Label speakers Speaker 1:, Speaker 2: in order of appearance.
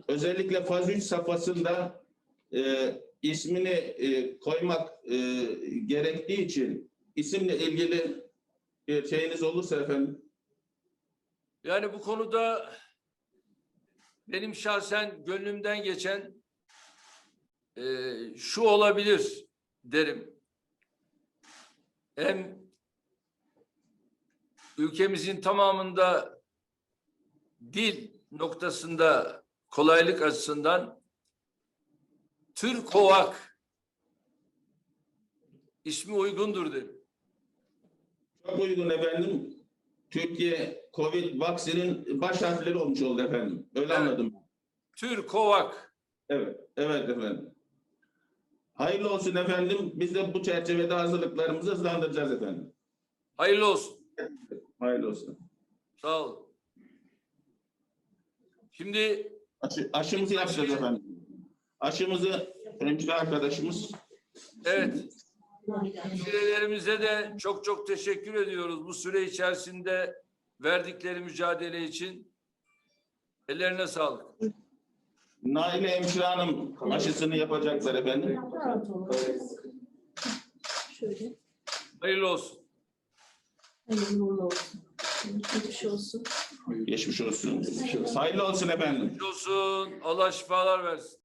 Speaker 1: özellikle faz 3 safhasında ismini koymak gerektiği için isimle ilgili bir şeyiniz olursa efendim.
Speaker 2: Yani bu konuda benim şahsen gönlümden geçen şu olabilir derim. Hem ülkemizin tamamında dil noktasında kolaylık açısından Türkovak ismi uygundur derim.
Speaker 1: Çok uygun efendim. Türkiye Covid vaksinin baş harfleri olmuş oldu efendim. Öyle
Speaker 2: Evet.
Speaker 1: anladım.
Speaker 2: Türkovak.
Speaker 1: Evet, evet efendim. Hayırlı olsun efendim. Biz de bu çerçevede hazırlıklarımızı hızlandıracağız efendim.
Speaker 2: Hayırlı olsun.
Speaker 1: Hayırlı olsun.
Speaker 2: Sağ olun. Şimdi
Speaker 1: Aşımızı yapacağız efendim. Aşımızı hemşire arkadaşımız.
Speaker 2: evet. Hemşirelerimize de çok çok teşekkür ediyoruz. Bu süre içerisinde verdikleri mücadele için. Ellerine sağlık.
Speaker 1: Naile Hemşire Hanım aşısını yapacaklar efendim.
Speaker 3: Şöyle.
Speaker 2: Hayırlı olsun.
Speaker 3: Hayırlı uğurlu olsun. Geçmiş olsun.
Speaker 1: Geçmiş olsun. Hayırlı olsun efendim.
Speaker 2: Geçmiş olsun. Allah şifalar versin.